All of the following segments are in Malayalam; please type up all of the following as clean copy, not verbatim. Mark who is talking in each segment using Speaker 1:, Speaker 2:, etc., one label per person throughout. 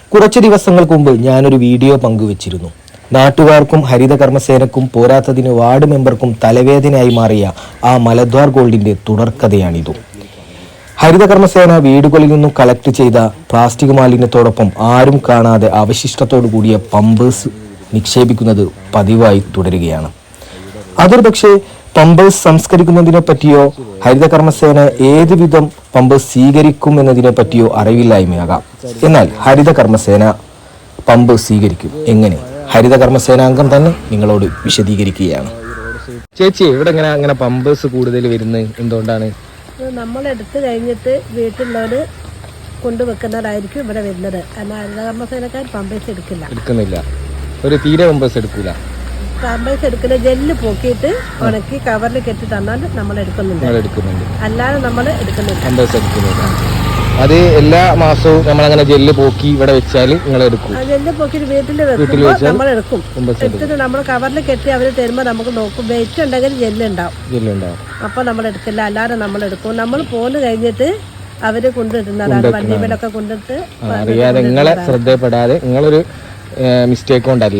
Speaker 1: കുറച്ച് ദിവസങ്ങൾക്ക് മുമ്പ് ഞാനൊരു വീഡിയോ പങ്കുവച്ചിരുന്നു. നാട്ടുകാർക്കും ഹരിതകർമ്മസേനക്കും പോരാത്തതിന് വാർഡ് മെമ്പർക്കും തലവേദനയായി മാറിയ ആ മലദ്വാർ ഗോൾഡിന്റെ തുടർക്കഥയാണിതു. ഹരിതകർമ്മസേന വീടുകളിൽ നിന്നും കളക്ട് ചെയ്ത പ്ലാസ്റ്റിക് മാലിന്യത്തോടൊപ്പം ആരും കാണാതെ അവശിഷ്ടത്തോടു കൂടിയ പമ്പേഴ്സ് നിക്ഷേപിക്കുന്നത് പതിവായി തുടരുകയാണ്. അതൊരു പക്ഷേ പമ്പേഴ്സ് സംസ്കരിക്കുന്നതിനെ പറ്റിയോ ഹരിതകർമ്മസേന ഏത് വിധം പമ്പേഴ്സ് സ്വീകരിക്കും എന്നതിനെ പറ്റിയോ അറിവില്ലായ്മയാകാം. എന്നാൽ ഹരിതകർമ്മസേന പമ്പേഴ്സ് സ്വീകരിക്കും. എങ്ങനെ? ഹരിതകർമ്മസേനാംഗം തന്നെ നിങ്ങളോട് വിശദീകരിക്കുകയാണ്. ചേച്ചി, ഇവിടെ അങ്ങനെ പമ്പേഴ്സ് കൂടുതൽ വരുന്നത് എന്തുകൊണ്ടാണ്?
Speaker 2: നമ്മൾ എടുത്തു കഴിഞ്ഞിട്ട് വീട്ടിലുള്ളവര് കൊണ്ടുവെക്കുന്നതായിരിക്കും ഇവിടെ വരുന്നത്. എന്നാൽ ഹരിതകർമ്മസേനക്കാർ പമ്പേഴ്സ് എടുക്കുന്നില്ല.
Speaker 1: ഒരു തീരെ പമ്പേഴ്സ് എടുക്കൂല.
Speaker 2: പമ്പേഴ്സ് എടുക്കുന്ന ജെല്ല് പോക്കിയിട്ട് ഉണക്കി കവറിൽ കെട്ടി തന്നാൽ നമ്മൾ എടുക്കുന്നുണ്ട്. അല്ലാതെ നമ്മൾ എടുക്കുന്നില്ല.
Speaker 1: അത് എല്ലാ മാസവും നമ്മളങ്ങനെ ജെല്ല് പോക്കി ഇവിടെ വെച്ചാൽ നിങ്ങൾ എടുക്കും.
Speaker 2: ജെല്ല് പോക്കി വീട്ടിൽ വെക്കുമ്പോൾ നമ്മൾ എടുക്കും. എടുത്തിട്ട് നമ്മൾ കവറിൽ കെട്ടി അവർ തരുമ്പോൾ നമുക്ക് നോക്കും. വെയിറ്റ് ഉണ്ടെങ്കിൽ ജെല്ലുണ്ടാവും. അപ്പൊ നമ്മൾ എടുക്കില്ല. അല്ലാതെ നമ്മൾ എടുക്കും. നമ്മൾ പോന്ന് കഴിഞ്ഞിട്ട് അവര് കൊണ്ടിടുന്നതാണ്. വണ്ടിയിലൊക്കെ കൊണ്ടിട്ട്
Speaker 1: അറിയാതെ നിങ്ങളെ ശ്രദ്ധപ്പെടാതെ നിങ്ങളൊരു മിസ്റ്റേക്ക് കൊണ്ടല്ല,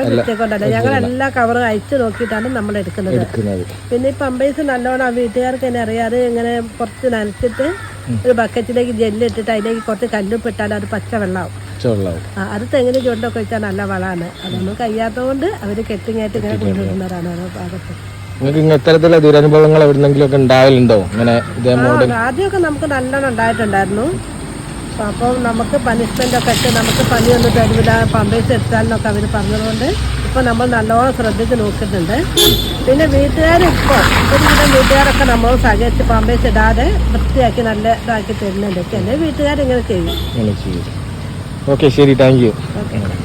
Speaker 2: ഞങ്ങൾ എല്ലാ കവറും അയച്ചു നോക്കിയിട്ടാണ് നമ്മൾ എടുക്കുന്നത്. പിന്നെ ഈ പമ്പേഴ്സ് നല്ലോണം ആ വീട്ടുകാർക്ക് തന്നെ അറിയാതെ ഇങ്ങനെ കുറച്ച് നനച്ചിട്ട് ഒരു ബക്കറ്റിലേക്ക് ജെല്ല് ഇട്ടിട്ട് അതിലേക്ക് കുറച്ച് കല്ലുപ്പിട്ടാൽ അത് പച്ച വെള്ളമാവും. അത് തെങ്ങിന് ചുവട്ടൊക്കെ വെച്ചാൽ നല്ല വളമാണ്. അതൊന്നും കഴിയാത്തതുകൊണ്ട് അവര് കെട്ടിങ്ങായിട്ട് ഇങ്ങനെ കൊണ്ടുവരുന്നതാണ് ഓരോ ഭാഗത്ത്.
Speaker 1: നിങ്ങൾക്ക് ഇത്തരത്തിലുള്ള ദുരനുഭവങ്ങൾ എവിടെന്നെങ്കിലും ഒക്കെ ഉണ്ടാവലുണ്ടോ?
Speaker 2: ആദ്യമൊക്കെ നമുക്ക് നല്ലോണം ഉണ്ടായിട്ടുണ്ടായിരുന്നു. അപ്പം നമുക്ക് പണിഷ്മെന്റ് ഒക്കെ ഇട്ട് നമുക്ക് പണിയൊന്നും തരുന്നില്ല, പമ്പേഴ്സ് എടുത്താലെന്നൊക്കെ അവർ പറഞ്ഞതുകൊണ്ട് ഇപ്പം നമ്മൾ നല്ലോണം ശ്രദ്ധിച്ച് നോക്കുന്നുണ്ട്. പിന്നെ വീട്ടുകാരിപ്പോൾ ഒരുവിധം വീട്ടുകാരൊക്കെ നമ്മൾ സഹകരിച്ച് പമ്പേഴ്സ് ഇടാതെ വൃത്തിയാക്കി നല്ല ഇതാക്കി തരുന്നുണ്ട്. ചില വീട്ടുകാരിങ്ങനെ ചെയ്യും.
Speaker 1: ഓക്കെ, ശരി, താങ്ക് യു.
Speaker 2: ഓക്കെ.